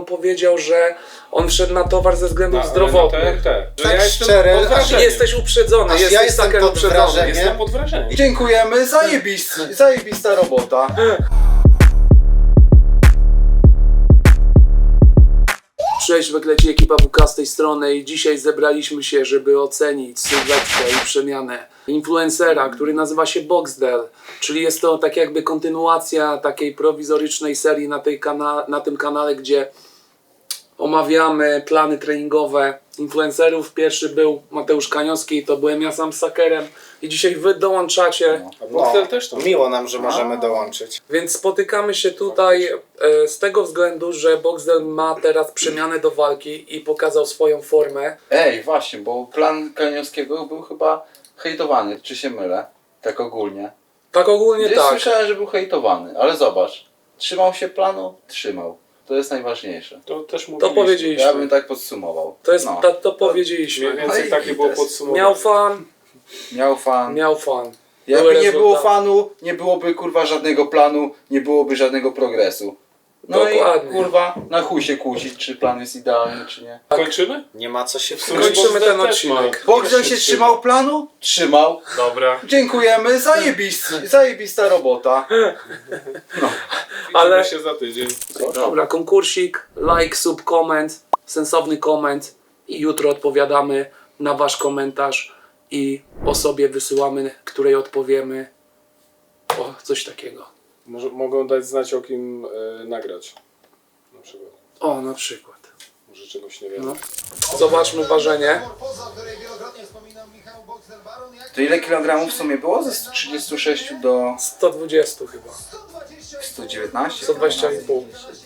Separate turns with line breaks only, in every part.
powiedział, że on wszedł na towar ze względów zdrowotnych.
Tak
Ja jestem
szczerze,
pod wrażeniem.
Jesteś uprzedzony,
Aż ja
jesteś
jestem
saker
pod
uprzedzony.
wrażeniem.
Jestem pod wrażeniem.
Dziękujemy, zajebista robota.
Cześć, wykleci ekipa WK z tej strony i dzisiaj zebraliśmy się, żeby ocenić sylwetkę i przemianę influencera, który nazywa się Boxdel, czyli jest to tak jakby kontynuacja takiej prowizorycznej serii na tym kanale, gdzie omawiamy plany treningowe influencerów. Pierwszy był Mateusz Kaniowski, to byłem ja sam z Sakerem i dzisiaj wy dołączacie.
A Boxdel też to.
Miło nam, że możemy dołączyć.
Więc spotykamy się tutaj z tego względu, że Boxdel ma teraz przemianę do walki i pokazał swoją formę.
Ej, właśnie, bo plan Kaniowskiego był chyba hejtowany, czy się mylę? Tak ogólnie.
Tak ogólnie
Gdzieś
tak.
słyszałem, że był hejtowany, ale zobacz. Trzymał się planu? Trzymał. To jest najważniejsze.
To też
To
mówiliśmy.
powiedzieliśmy.
Ja bym tak podsumował.
To jest,
No.
to powiedzieliśmy.
Mniej więcej
No i
takie było
gites.
podsumowanie.
Miał fan,
Miał fan.
miał fan.
Jakby
Były
nie było
rezultaty.
fanu, nie byłoby kurwa żadnego planu, nie byłoby żadnego progresu. No
Dokładnie.
i kurwa, na chuj się kłócić, czy plan jest idealny, czy nie.
Kończymy?
Nie ma co się
sumie
wkurzyć.
Kończymy ten
Boxdel też
odcinek.
ma.
Boxdel się trzymał planu?
Trzymał.
Dobra.
Dziękujemy, zajebista robota.
Ale-
Ale się za tydzień.
Dobra, konkursik, like, sub, koment, sensowny koment i jutro odpowiadamy na wasz komentarz i osobie wysyłamy, której odpowiemy. O, coś takiego.
Mogą dać znać, o kim nagrać. Na przykład.
O, na przykład.
Może czegoś nie wiem.
No. Zobaczmy ważenie.
To ile kilogramów w sumie było? Ze 136 do
120 chyba.
119?
120,5.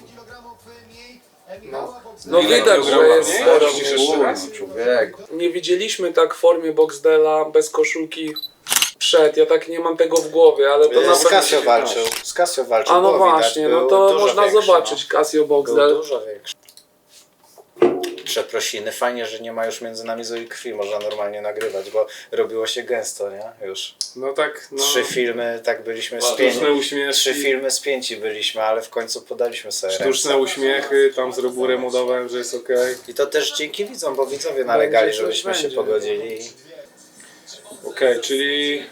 No
Ile
widać, że
kilogramów
jest
mniej?
sporo.
Musisz jeszcze raz.
Człowieku.
Nie widzieliśmy tak w formie Boxdela bez koszulki przed. Ja tak nie mam tego w głowie, ale to na
Z
pewno...
Casio walczył. Z Casio walczył.
A no
było widać,
właśnie,
był
no to
dużo
można
większy,
zobaczyć Casio
No. Był
Boxdel.
dużo większy. Przeprosiny, fajnie, że nie ma już między nami złej krwi, można normalnie nagrywać, bo robiło się gęsto, nie? Już.
No tak, no.
3 filmy, tak byliśmy
Sztuczne
spięci.
uśmiechy.
3 filmy spięci byliśmy, ale w końcu podaliśmy sobie
Sztuczne
ręce.
uśmiechy, tam z Roburem udawałem, że jest okej.
I to też dzięki widzom, bo widzowie nalegali,
Będzie,
żebyśmy
coś
się
będzie.
pogodzili.
Okej, czyli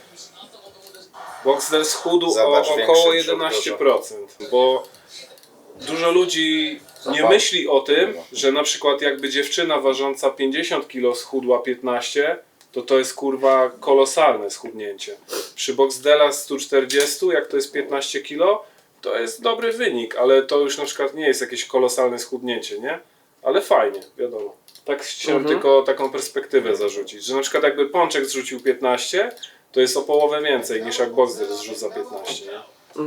Boxdel schudł
Zobacz,
o
większy
około
brzuch
11%, bo dużo ludzi nie myśli o tym, że na przykład jakby dziewczyna ważąca 50 kg schudła 15, to jest kurwa kolosalne schudnięcie. Przy Boxdela 140, jak to jest 15 kg, to jest dobry wynik, ale to już na przykład nie jest jakieś kolosalne schudnięcie, nie? Ale fajnie, wiadomo. Tak chciałem tylko taką perspektywę zarzucić, że na przykład jakby Pączek zrzucił 15, to jest o połowę więcej niż jak Boxdel zrzuca 15, nie?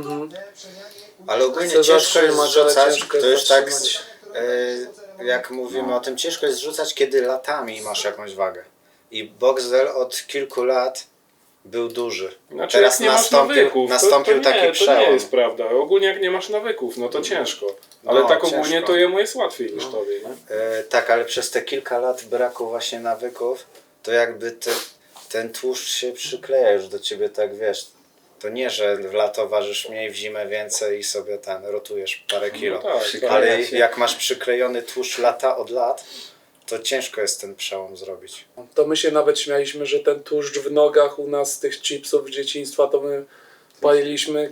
Ale ogólnie
Chcę
ciężko jest
zatrzymać, ale
zrzucać,
ciężko
to
jest
już tak,
zatrzymać.
jak mówimy o tym, ciężko jest zrzucać, kiedy latami masz jakąś wagę. I Boxdel od kilku lat był duży.
Znaczy
Teraz
jak nie masz nawyków,
nastąpił
to
taki
nie, to
przełom.
nie jest prawda. Ogólnie jak nie masz nawyków, no to ciężko. Ale
No,
tak ogólnie
ciężko.
to jemu jest łatwiej niż tobie, nie?
Tak, ale przez te kilka lat braku właśnie nawyków, to jakby ten tłuszcz się przykleja już do ciebie, tak wiesz. To nie, że w lato ważysz mniej, w zimę więcej i sobie rotujesz parę kilo.
tak,
Ale
się.
jak masz przyklejony tłuszcz lata od lat, to ciężko jest ten przełom zrobić.
To my się nawet śmialiśmy, że ten tłuszcz w nogach u nas z tych chipsów z dzieciństwa to my paliliśmy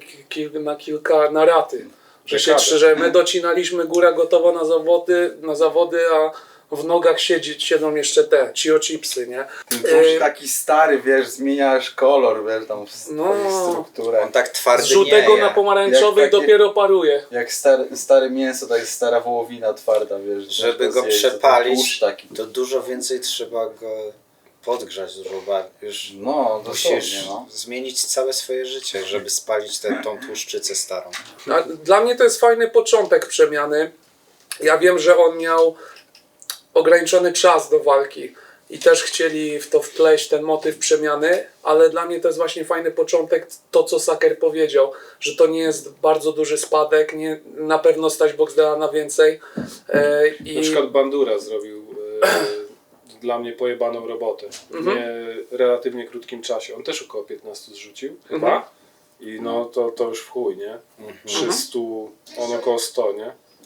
na raty. Że my docinaliśmy góra gotowa na zawody, a w nogach siedzą jeszcze te chipsy, nie?
Tłuszcz taki stary, wiesz, zmieniasz kolor, wiesz, tam
No.
strukturę.
On tak
Z
twardy
żółtego
nie
na
je.
pomarańczowy
Jak takie-
dopiero paruje.
Jak stare mięso, tak jest stara wołowina twarda, wiesz.
Żeby
ciężko
go
zjeść, to ten
przepalić,
tłuszcz taki.
to dużo więcej trzeba go podgrzać, już
No,
musisz
dosłownie, no.
zmienić całe swoje życie, żeby spalić tą tłuszczycę starą.
A dla mnie to jest fajny początek przemiany. Ja wiem, że on miał ograniczony czas do walki i też chcieli w to wpleść ten motyw przemiany, ale dla mnie to jest właśnie fajny początek, to co Saker powiedział, że to nie jest bardzo duży spadek, nie, na pewno stać Boxdela na więcej.
Na przykład Bandura zrobił dla mnie pojebaną robotę w relatywnie krótkim czasie. On też około 15 zrzucił chyba i no to już w chuj, nie? 300, on około 100, nie?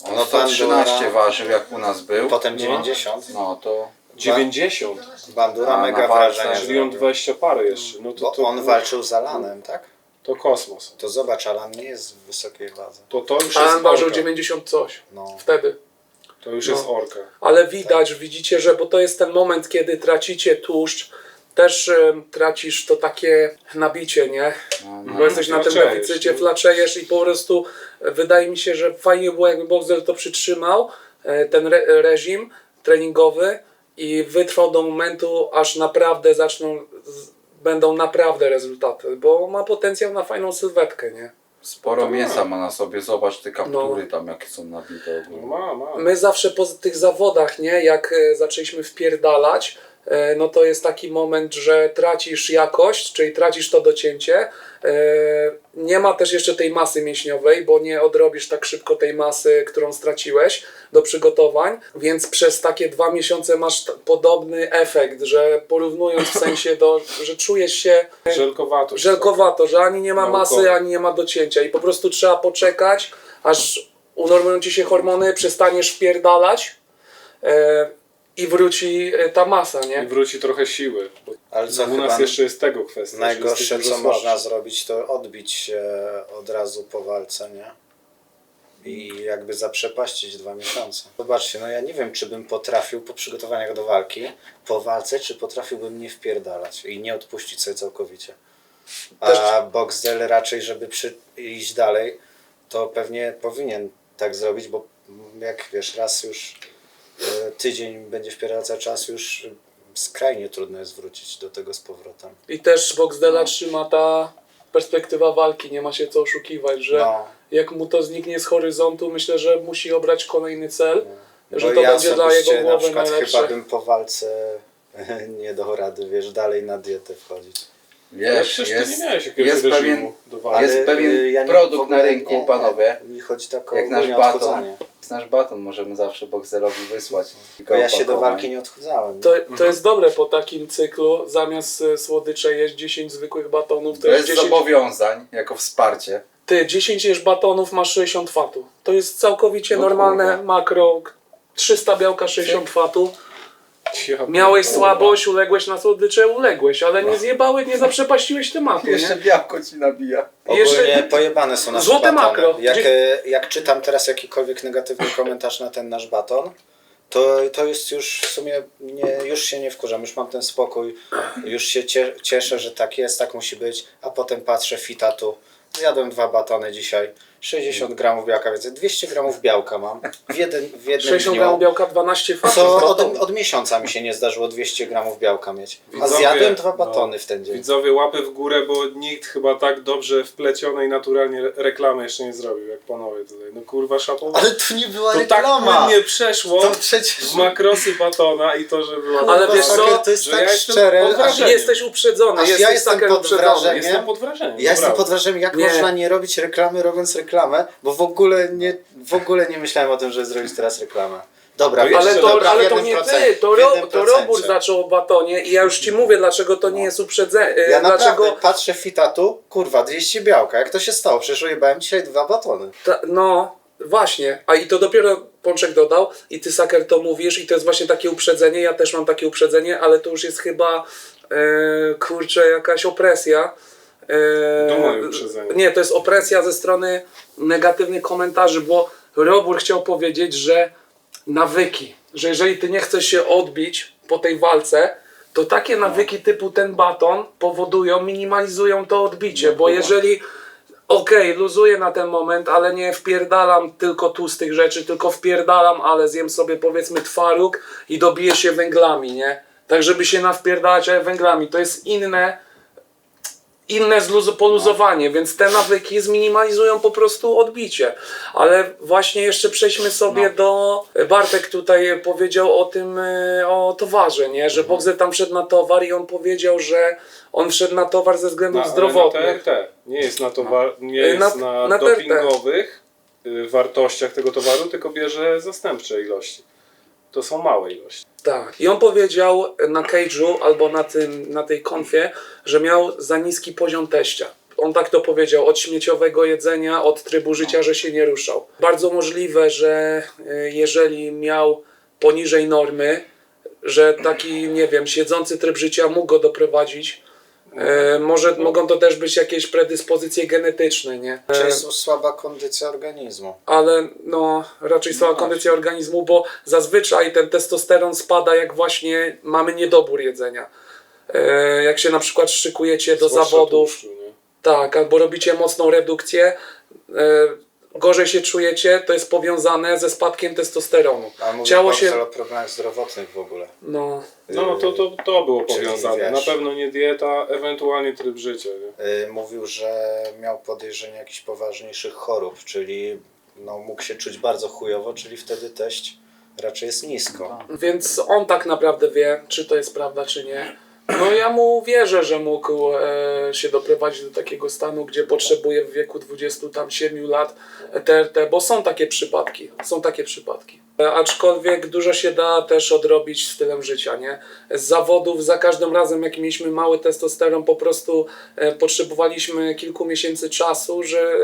No to 13 ważył jak u nas był.
Potem 90.
No to
90,
Bandura
A,
mega
na walce,
wrażenie
czyli on
zrobił.
20 parę jeszcze. No
Bo on walczył z Alanem, tak?
to kosmos.
To zobacz, Alan nie jest w wysokiej wadze.
To już
Alan
jest
ważył
orka.
90 coś
No.
wtedy.
To już jest orka.
Ale widać, widzicie, że bo to jest ten moment, kiedy tracicie tłuszcz, też tracisz to takie nabicie, nie? Bo jesteś na tym
flaczejesz,
deficycie,
nie?
flaczejesz i po prostu wydaje mi się, że fajnie było, jakby Boxer to przytrzymał, ten reżim treningowy i wytrwał do momentu, aż naprawdę będą naprawdę rezultaty, bo ma potencjał na fajną sylwetkę, nie?
sporo mięsa ma na sobie. Zobacz te kaptury tam jakie są nabite.
No ma.
My zawsze po tych zawodach, nie, jak zaczęliśmy wpierdalać, no to jest taki moment, że tracisz jakość, czyli tracisz to docięcie. Nie ma też jeszcze tej masy mięśniowej, bo nie odrobisz tak szybko tej masy, którą straciłeś do przygotowań, więc przez takie 2 miesiące masz podobny efekt, że porównując w sensie że czujesz się żelkowato, że ani nie ma masy,
Naukowo.
ani nie ma docięcia i po prostu trzeba poczekać, aż unormują ci się hormony, przestaniesz wpierdalać i wróci ta masa,
I
nie?
wróci trochę siły. Bo
Ale co
u
chyba
nas jeszcze jest tego kwestia. że
najgorsze,
jesteś
co
dużo
można
słabszy.
zrobić, to odbić się od razu po walce, nie? I jakby zaprzepaścić 2 miesiące. Zobaczcie, no ja nie wiem, czy bym potrafił po przygotowaniach do walki, po walce, czy potrafiłbym nie wpierdalać i nie odpuścić sobie całkowicie. A Boxdel raczej, żeby iść dalej, to pewnie powinien tak zrobić, bo jak wiesz, raz już tydzień będzie wpierdalał cały czas, już skrajnie trudno jest wrócić do tego z powrotem.
I też Boxdela trzyma ta perspektywa walki, nie ma się co oszukiwać, że
No.
jak mu to zniknie z horyzontu, myślę, że musi obrać kolejny cel, że
Bo
to
ja
będzie dla
osobiście
jego
na
głowy
przykład
najlepsze.
chyba bym po walce nie dał rady, wiesz, dalej na dietę wchodzić.
Ale
Wiesz,
przecież ty nie miałeś jakiegoś
jest
reżimu
pewien,
do walki.
jest pewien produkt na rynku, panowie.
Mi chodzi tak o
Jak nasz
ogólnie
baton.
odchudzanie.
Nasz baton możemy zawsze Boxerowi wysłać.
Bo ja się do walki nie odchudzałem.
To jest dobre po takim cyklu, zamiast słodycze jeść 10 zwykłych batonów, to
To
jest
jest
10...
zobowiązań, jako wsparcie.
Ty, 10 jesz batonów, masz 60 fatu. To jest całkowicie
No
normalne
kurwa.
makro, 300 białka, 60 fatu.
Ja
Miałeś
pierdolę.
słabość, uległeś na słodycze, uległeś, ale nie zjebałeś, nie zaprzepaściłeś tematu,
Jeszcze
nie?
białko ci nabija.
Jeszcze-
Ogólnie pojebane są nasze
Złote
batony.
makro.
Jak czytam teraz jakikolwiek negatywny komentarz na ten nasz baton, to jest już w sumie, już się nie wkurzam, już mam ten spokój, już się cieszę, że tak jest, tak musi być, a potem patrzę fita tu, zjadłem 2 batony dzisiaj, 60 gramów białka, więc 200 gramów białka mam w jednym
60
dniu.
gramów białka, 12 fatów.
Co
z batonu.
od miesiąca mi się nie zdarzyło 200 gramów białka mieć. A
Widzowie,
zjadłem 2 batony w ten dzień.
Widzowie, łapy w górę, bo nikt chyba tak dobrze wplecionej naturalnie reklamy jeszcze nie zrobił, jak panowie tutaj. No kurwa, szapowa.
Ale to nie była
To tak
reklama.
płynnie przeszło
To przecież...
w makrosy batona i to, że była...
Ale wiesz co?
To jest
Że
tak
ja jestem
szczere,
pod
aż
wrażeniem.
Jesteś uprzedzony,
Aż ja
jesteś
jestem
taker
pod
uprzedzony.
wrażeniem.
Jestem pod wrażeniem.
ja jestem
naprawdę.
pod wrażeniem, jak
Nie.
można nie robić reklamy, robiąc reklamę, bo w ogóle nie myślałem o tym, żeby zrobić teraz reklamę. Dobra,
No
wiesz,
Ale
Jeszcze
to,
dobra, w
ale to
jednym
nie
procencie,
ty,
w jednym
to Robur
procencie.
zaczął o batonie i ja już ci mówię, dlaczego to nie jest uprzedzenie.
Ja naprawdę
Dlaczego
patrzę fita tu, kurwa, 200 białka, jak to się stało? Przecież ujebałem dzisiaj 2 batony.
no właśnie, a i to dopiero Pączek dodał i ty, Saker, to mówisz i to jest właśnie takie uprzedzenie, ja też mam takie uprzedzenie, ale to już jest chyba, kurczę, jakaś opresja.
To moje uprzedzenie.
Nie, to jest opresja ze strony negatywnych komentarzy, bo Robur chciał powiedzieć, że nawyki, że jeżeli ty nie chcesz się odbić po tej walce, to takie nawyki typu ten baton powodują, minimalizują to odbicie, bo jeżeli luzuję na ten moment, ale nie wpierdalam tylko tłustych rzeczy, tylko wpierdalam, ale zjem sobie powiedzmy twaróg i dobiję się węglami, nie? Tak żeby się nawpierdalać węglami, to jest inne poluzowanie, więc te nawyki zminimalizują po prostu odbicie. Ale właśnie jeszcze przejdźmy sobie do... Bartek tutaj powiedział o tym, o towarze, nie? Że Boxer tam wszedł na towar i on powiedział, że on wszedł na towar ze względów zdrowotnych.
Na TRT. Nie jest na, nie jest
Na
na
TRT.
dopingowych wartościach tego towaru, tylko bierze zastępcze ilości. To są małe ilości.
Tak. I on powiedział na cage'u albo na tej konfie, że miał za niski poziom teścia. on tak to powiedział, od śmieciowego jedzenia, od trybu życia, że się nie ruszał. Bardzo możliwe, że jeżeli miał poniżej normy, że taki, nie wiem, siedzący tryb życia mógł go doprowadzić. Mogą to też być jakieś predyspozycje genetyczne, nie?
Czy jest słaba kondycja organizmu?
Ale no raczej słaba kondycja organizmu, bo zazwyczaj ten testosteron spada, jak właśnie mamy niedobór jedzenia. Jak się na przykład szykujecie do
Zwłaszcza
zawodów,
tłuszczu, nie?
tak, albo robicie mocną redukcję, gorzej się czujecie, to jest powiązane ze spadkiem testosteronu.
A mówię
Ciało
się...
się...
o problemach zdrowotnych w ogóle.
No,
No to było
Czyli
powiązane.
wiesz-
Na pewno nie dieta, ewentualnie tryb życia. Nie?
Mówił, że miał podejrzenie jakichś poważniejszych chorób, czyli no, mógł się czuć bardzo chujowo, czyli wtedy teść raczej jest nisko.
więc on tak naprawdę wie, czy to jest prawda, czy nie. No ja mu wierzę, że mógł się doprowadzić do takiego stanu, gdzie potrzebuje w wieku 27 lat TRT, bo są takie przypadki, Aczkolwiek dużo się da też odrobić stylem życia, nie? Z zawodów za każdym razem, jak mieliśmy mały testosteron, po prostu potrzebowaliśmy kilku miesięcy czasu, że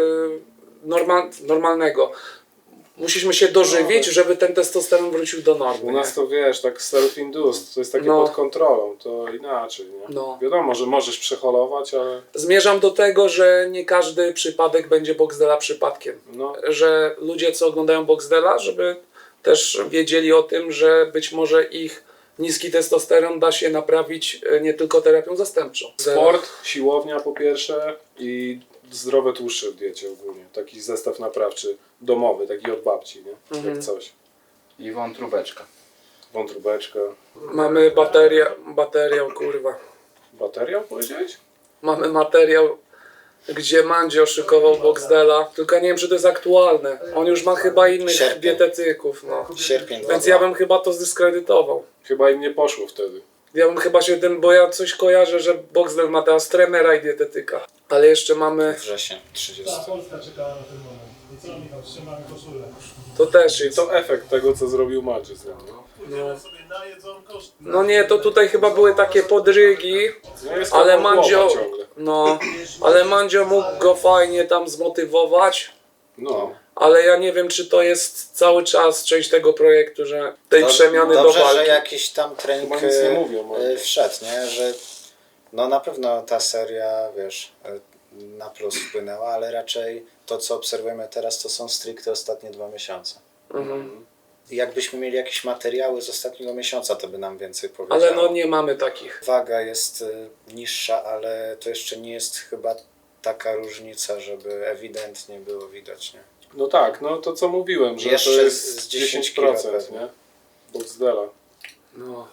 normalnego. Musieliśmy się dożywić, żeby ten testosteron wrócił do normy.
U
nie?
nas to wiesz, tak self-induced, to jest takie
No.
pod kontrolą, to inaczej, nie?
No.
Wiadomo, że możesz przeholować, ale
Zmierzam do tego, że nie każdy przypadek będzie Boxdela przypadkiem.
no,
Że ludzie, co oglądają Boxdela, żeby też wiedzieli o tym, że być może ich niski testosteron da się naprawić nie tylko terapią zastępczą.
sport, siłownia po pierwsze i zdrowe tłuszcze w diecie ogólnie. Taki zestaw naprawczy, domowy, taki od babci, nie? Jak coś.
I wątróbeczka.
Wątróbeczka.
Mamy materiał, kurwa.
Bateria powiedziałeś?
Mamy materiał, gdzie Mandzio szykował Boxdela, tylko nie wiem, czy to jest aktualne. On już ma chyba innych
Sierpień.
dietetyków, no.
Sierpień
Więc
22.
ja bym chyba to zdyskredytował.
Chyba im nie poszło wtedy.
Ja bym chyba się tym, bo ja coś kojarzę, że Boxdel ma teraz trenera i dietetyka. Ale jeszcze mamy,
Wrzesień 30.
Cała Polska czekała na ten moment. I co, Michał, trzymamy koszulę.
to też jest.
To efekt tego, co zrobił Magis.
Pójdziemy sobie na jedzonko.
No nie, to tutaj chyba były takie podrygi,
No jest
ale
koło głowa
Mandzio,
ciągle.
no, ale Mandzio mógł go fajnie tam zmotywować,
No.
ale ja nie wiem, czy to jest cały czas część tego projektu, że tej przemiany do
Dobrze, że
walki.
jakiś tam trening
Chyba nic nie mówią, ale-
wszedł, nie? Że no na pewno ta seria, wiesz, na plus wpłynęła, ale raczej to, co obserwujemy teraz, to są stricte ostatnie 2 miesiące.
Mhm.
I jakbyśmy mieli jakieś materiały z ostatniego miesiąca, to by nam więcej powiedziało.
Ale no nie mamy takich.
Waga jest niższa, ale to jeszcze nie jest chyba taka różnica, żeby ewidentnie było widać, nie?
No tak, no to co mówiłem, że
Jeszcze
to jest
z 10 kilo
10%,
pewnie.
nie? Boxdela.
No,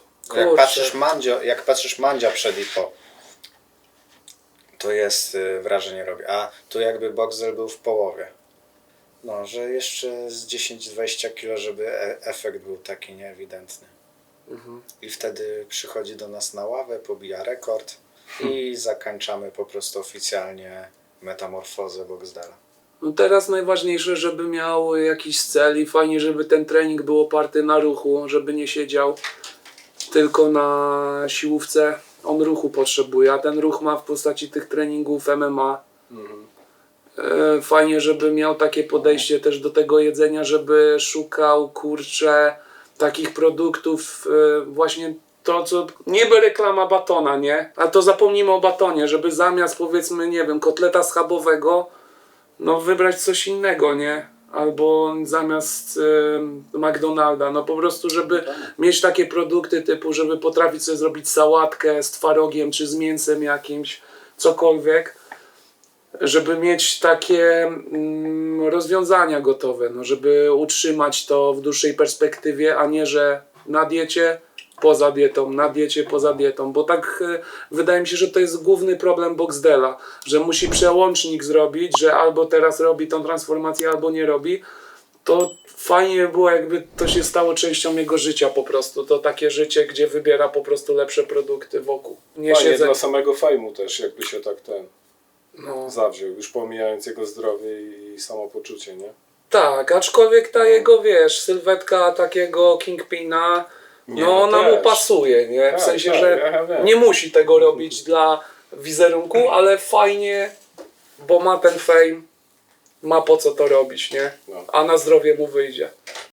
Jak patrzysz Mandzia przed i po, to jest wrażenie robi. A tu jakby Boxdel był w połowie. No, że jeszcze z 10-20 kilo, żeby efekt był taki nieewidentny. I wtedy przychodzi do nas na ławę, pobija rekord i zakończamy po prostu oficjalnie metamorfozę Boxdela.
No teraz najważniejsze, żeby miał jakiś cel i fajnie, żeby ten trening był oparty na ruchu, żeby nie siedział tylko na siłówce. On ruchu potrzebuje, a ten ruch ma w postaci tych treningów MMA. Fajnie, żeby miał takie podejście też do tego jedzenia, żeby szukał, kurczę, takich produktów, właśnie to, co niby reklama batona, nie? A to zapomnijmy o batonie, żeby zamiast, powiedzmy, nie wiem, kotleta schabowego, no wybrać coś innego, nie? Albo zamiast McDonalda, no po prostu, żeby mieć takie produkty typu, żeby potrafić sobie zrobić sałatkę z twarogiem, czy z mięsem jakimś, cokolwiek, żeby mieć takie rozwiązania gotowe, no żeby utrzymać to w dłuższej perspektywie, a nie, że na diecie, poza dietą, na diecie, poza dietą, bo tak wydaje mi się, że to jest główny problem Boxdela, że musi przełącznik zrobić, że albo teraz robi tą transformację, albo nie robi. To fajnie by było, jakby to się stało częścią jego życia po prostu. To takie życie, gdzie wybiera po prostu lepsze produkty wokół. Nie
Fajnie
siedzę...
dla samego fejmu też, jakby się tak
No.
zawziął, już pomijając jego zdrowie i samopoczucie, nie?
Tak, aczkolwiek ta jego, wiesz, sylwetka takiego Kingpina,
Nie,
no ona mu
też.
pasuje, nie? W
Tak,
sensie,
tak,
że
ja wiem.
nie musi tego robić dla wizerunku, ale fajnie bo ma ten fame, ma po co to robić, nie?
No.
A na zdrowie mu wyjdzie.